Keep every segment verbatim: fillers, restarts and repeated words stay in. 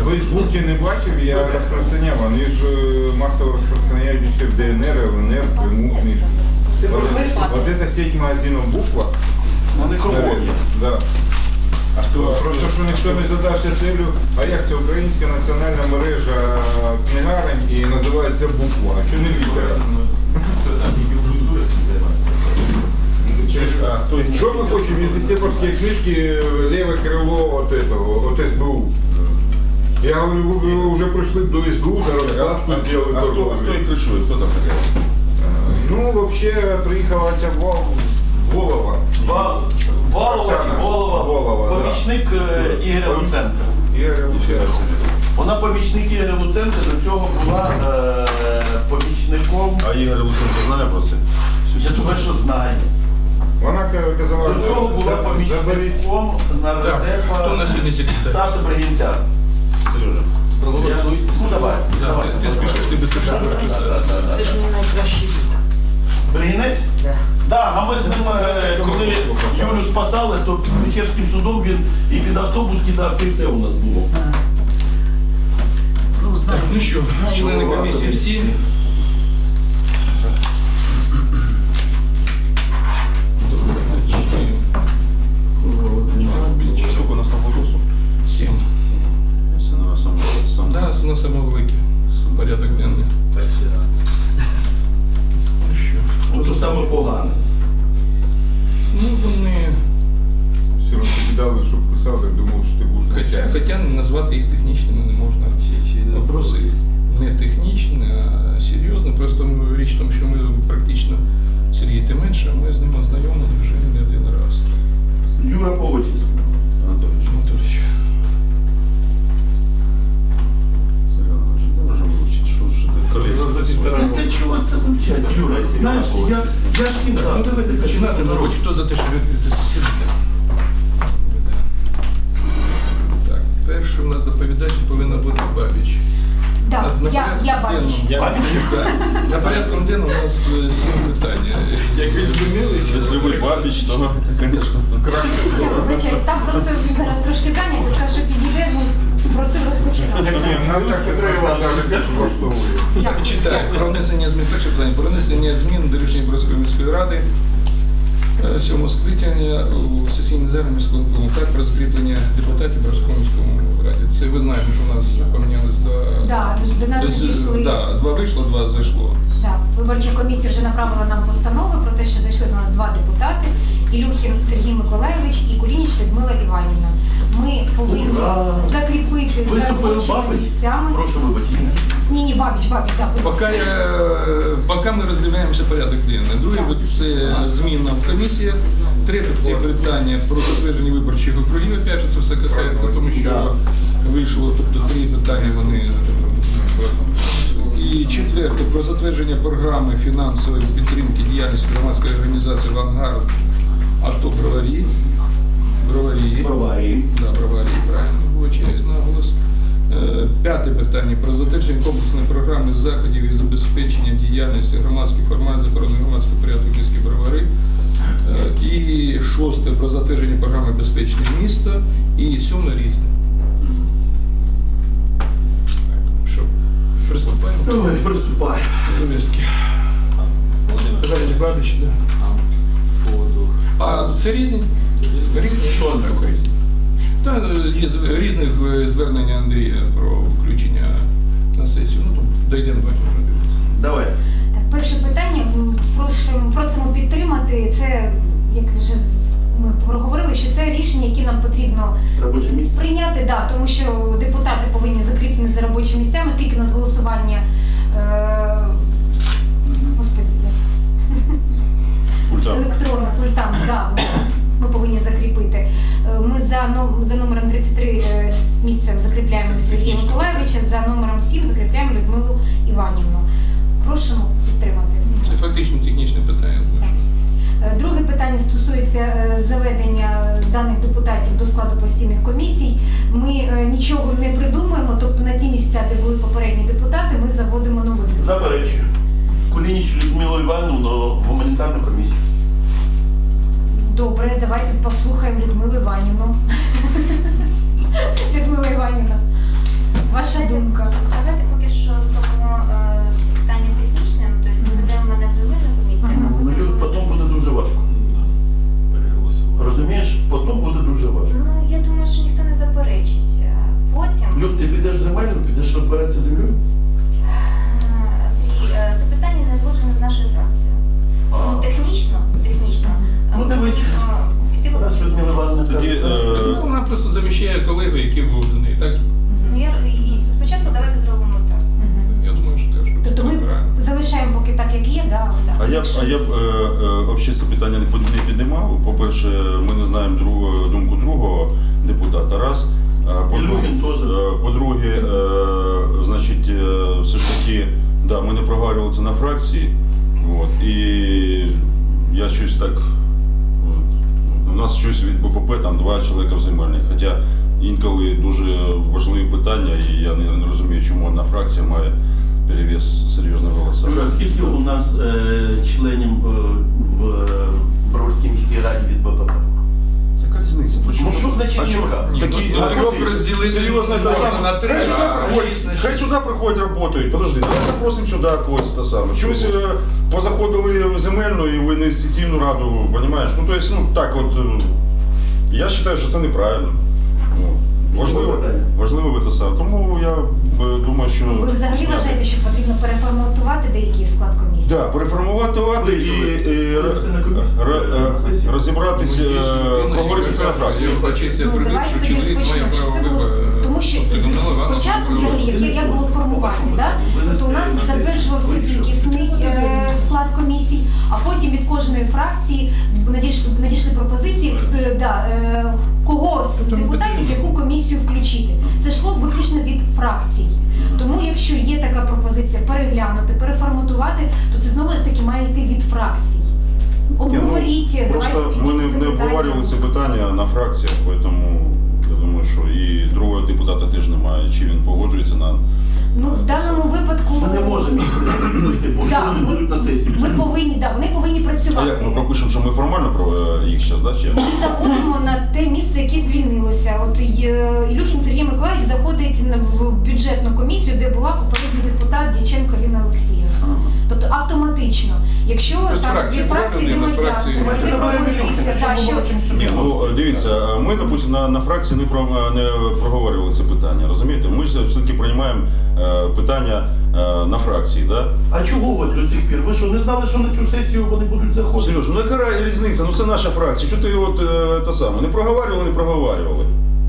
В Фейсбуці не бачив, я розпространяв, вони ж масово розпространяють ще в ДНР, ЛНР, Криму книжки. Вот, вот эта сеть магазинов «Буква». Вони кругом. Да. А хто? Просто що ніхто не задався целью, а як це українська національна мережа книгарень і називається «Буква», а чого не «Літера»? Що ми хочемо, якщо сепарські книжки, ліве крило от этого, от СБУ? Я говорю, вы уже пришли до СБУ, до раскладку сделали А кто, кто их крышует? Кто там такая? Ну, вообще, приїхала ця Вол- Волова. Вал, Валова, Оксана Волова, Волова, помічник е, Ігоря Луценка. Ігоря Луценка. Вона помічник Ігоря Луценка, до цього була е, помічником. А Ігор Луценко знає про це? Я думаю, що знає. Вона казала, До цього була заберіть. помічником Так, хто на нардепа сьогодні секретар? Саші Бригінця. Сережа. Проголосуй. Ну давай. Да, давай, ти, ти давай. спішиш, ти без Да, да, да, да, Це да. ж мій найкращий друг. Бригінець? Да. Так, а ми з ним, е, коли Юлю спасали, то під Печерським судом він і під автобус кидався, і все у нас було. А. Ну, знаю. Так, ну що, Знаю, члени його. комісії всі. Сколько на самогосу? Сім. Це на сам сам. Да, на самовики. Порядок денний. Ну що, Ну, хто то за- саме погане. Ну, вони, Все одно тобі дали, щоб писав, так думав, що ти будеш хоча, начальник. хоча назвати їх технічними не можна. Вопроси не технічні, а серйозні. Просто річ в тому, що ми практично, Сергій, ти менше, ми з ними знайомі вже не один раз. Юра Повочись. Анатолійович. Анатолійович. Сергій Анатолійович, не можемо вивчити, що ж ти колись. Та чого це вивчать, Юра? Знаєш, я, я ж всім Так, ну так. давайте починати. Народ, хто за те, щоб відкрити засідання? Так, перший у нас доповідач повинна бути Бабіч. Так, На я, порядку я бабіч. денному- Так. На порядку денному у нас е, сім питань. Як ви змінилися? Якщо ви бабіч, то, то, звісно. Я вибачаюсь, там просто він зараз трошки зайнятий, сказав, що підійде, ну, просив розпочинати. Ні, нам так не треба, навіть теж влаштовує. Так, читаю. Про внесення змін. Перше питання. Про внесення змін до рішення Бродської міської ради е, сьомого скликання у сесійній залі міського виконкому. Так, про закріплення депутатів Бродського міському раді. Це ви знаєте, що у нас помінялось до... Да, до нас Тобто, надійшли. да, два вийшло, два зайшло. Да, виборча комісія вже направила нам постанови про те, що зайшли до нас два депутати: Ілюхін Сергій Миколайович і Кулініч Людмила Іванівна. Ми повинні Ура! закріпити за Виступив робочими Бабич. місцями. Прошу вибачення. Ні, ні, Бабіч, Бабіч, так. будь Поки, ласка. я- поки ми роздивляємося порядок денний. Друге це зміна в комісіях. Третє це питання про затвердження виборчих округів. Опять же, це все касається, тому що вийшло, тобто три питання вони. І четверте про затвердження програми фінансової підтримки діяльності громадської організації «Авангард» АТО Броварі. Броварі. Броварі. Да, Броварі, правильно, вибачаюсь наголос. Е, П'яте питання про затвердження комплексної програми заходів і забезпечення діяльності громадських формат захорони громадського порядку в місті Бровари. Е, І шосте про затвердження програми безпечне місто. І сьоме різне. Так, що, приступаємо? Давай, приступай. Повістки. Товарищ Бабич, да. А це різні? Різні? Що таке? різні? Та є з- різних е, звернення Андрія про включення на сесію. Ну, то дійдемо потім подивитися. Давай. Так, перше питання. М, просимо- Просимо підтримати. Це, як вже з- ми проговорили, що це рішення, які нам потрібно Робоче місце. прийняти, да, тому що депутати повинні закріплені за робочими місцями, оскільки у нас голосування. Е, Господи, Пультам. електронно, пультами, да, ми, ми повинні закріпити. Е, Ми за, но- за номером тридцять три е, з місцем закріпляємо Сергія Миколайовича, за номером сім закріпляємо Людмилу Іванівну. Просимо підтримати. Це фактично технічне питання. Так. Е, Друге питання стосується е, заведення даних депутатів до складу постійних комісій. Ми е, нічого не придумуємо, тобто на ті місця, де були попередні депутати, ми заводимо нових депутатів. Заперечую. Кулініч Людмилу Іванівну в гуманітарну комісію. Добре, давайте послухаємо Людмилу Іванівну. Людмила Іванівна. будеш розбиратися з землею? Е, Сергій, е, це питання не зложено з нашою фракцією. Ну, технічно, технічно. е, Ну, дивись. е, піти- Раз Людмила Івановна Тоді, каже, е, Ну, вона просто заміщає колегу, який був до неї, так? Ну, я- і- Спочатку давайте зробимо так. Мгм. Я думаю, що теж. Тобто ми правильно. залишаємо поки так, як є, да, але так. А я б, Якщо а я б є- е, е, взагалі це питання не під- не піднімав. По-перше, ми не знаємо другого, думку другого депутата. Раз. А по-друге, Ілюхін теж. е, по-друге, е, значить, е, все ж таки, да, ми не проговорювали це на фракції. От, і я щось так. От, у нас щось від Б П П там два чоловіка в земельних. Хоча інколи дуже важливі питання, і я не, не розумію, чому одна фракція має перевес серйозного голоса. Юра, скільки у нас е, членів е, в е, Броварській міській раді від Б П П? Яка різниця? Ну, що значить А чого? яка? Ні, Такі, ну, а, трьох люди, розділити серйозно, те можна саме. на три, Хай сюди а приходять, шість на хай шість. сюди приходять, працюють. Подожди, давай запросимо сюди когось те саме. Чогось е, позаходили в земельну і в інвестиційну раду, розумієш? Ну, то есть, ну, так от, е, я вважаю, що це неправильно. От. Важливо, важливо ви те саме. Тому я е, думаю, що... Ви взагалі вважаєте, що потрібно переформатувати деякий склад комісії? Да, переформувати і, і, р- р- е, розібратися, е, проговорити це на фракції. Почався Ну, прибіг, давайте що тоді чоловік має розпочнемо, що право це було, вибору. тому що Тобто, Людмила з- Івановна спочатку була взагалі, як, як було формування, да? Тобто у нас затверджувався кількісний е, склад комісій, а потім від кожної фракції надійшли, надійшли пропозиції, е, да, е, кого з Тобто ми депутатів підтримуємо. яку комісію включити. Це йшло виключно від фракцій. Тому якщо є така пропозиція переглянути, переформатувати, то це знову ж таки має йти від фракцій. Обговоріть, Ні, ну, просто давайте ми не, піднімемо не це обговорювали це питання. питання на фракціях, тому я думаю, що і другого депутата теж немає, чи він погоджується на... Ну, в даному випадку Ми не можемо їх прийти, бо що Да, вони ми- будуть на сесії? ми повинні, да, вони повинні А працювати. як ми пропишемо, що ми формально про е, їх зараз, да, чи як? Ми заводимо на те місце, яке звільнилося. От е, Ілюхін Сергій Миколаївич заходить на- в бюджетну комісію, де була попередній депутат Дяченко Ліна Олексіївна. Ага. Тобто автоматично, якщо Тобто з там фракції від фракції була людина, з немає, фракції це немає. буде пропозиція, да, що Ні, ну е, дивіться, е, ми, допустим, на, на фракції не, про, не проговорювали це питання, розумієте? Ми ж все-таки приймаємо е, питання е, на фракції, да? А чого от до цих пір? Ви що, не знали, що на цю сесію вони будуть заходити? Сереж, ну яка ра- різниця? Ну це наша фракція. Що ти от е, те саме? Не проговорювали, не проговорювали.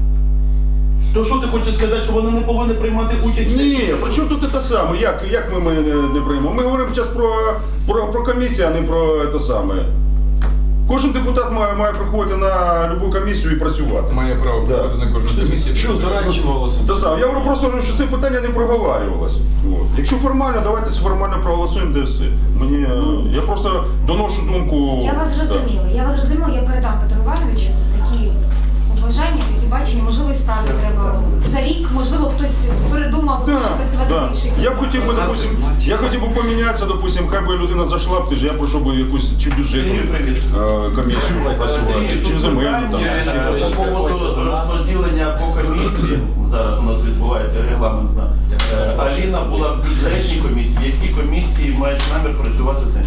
То що ти хочеш сказати, що вони не повинні приймати участь в Ні, сесії? при чому тут те саме? Як, як ми, ми не, не приймемо? Ми говоримо зараз про, про, про комісію, а не про те саме. Кожен депутат має, має приходити на будь-яку комісію і працювати. Має право Да. приходити на кожну комісію. Що, Працювати. Те саме. Я говорю просто, що це питання не проговорювалось. От. Якщо формально, давайте формально проголосуємо, де все. Мені, е, я просто доношу думку. я вас Так. зрозуміла. Я вас зрозуміла, я передам Петру Івановичу такі побажання, такі бачення. Можливо, і справді треба за рік, можливо, хтось передумав, Да, хоче працювати да. в інших. Я б хотів би, допустим, я хотів би помінятися, допустим, хай би людина зайшла б, ти ж я пройшов би якусь чи бюджетну Сергій, привіт. е, комісію попрацювати, Сергій, чи тут земельну там, питання, чи ще е, щось. З поводу розподілення по комісії, зараз у нас відбувається регламентна. Е, Аліна була в бюджетній комісії. В якій комісії маєш намір працювати ти?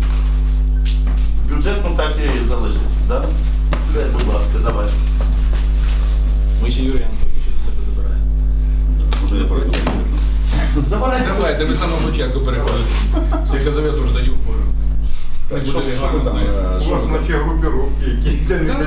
Бюджетну так і залишиться, так? Все, будь ласка, давай. Ми ще Юрія Анатолійовича до себе забираємо. Може я пройду. Забирай. Давайте, ви з самого початку переходите. Я казав, я теж тоді вхожу. Так, Не що, буде що ми там? регламентної. е, У що вас ми там? наче групіровки якісь. Та не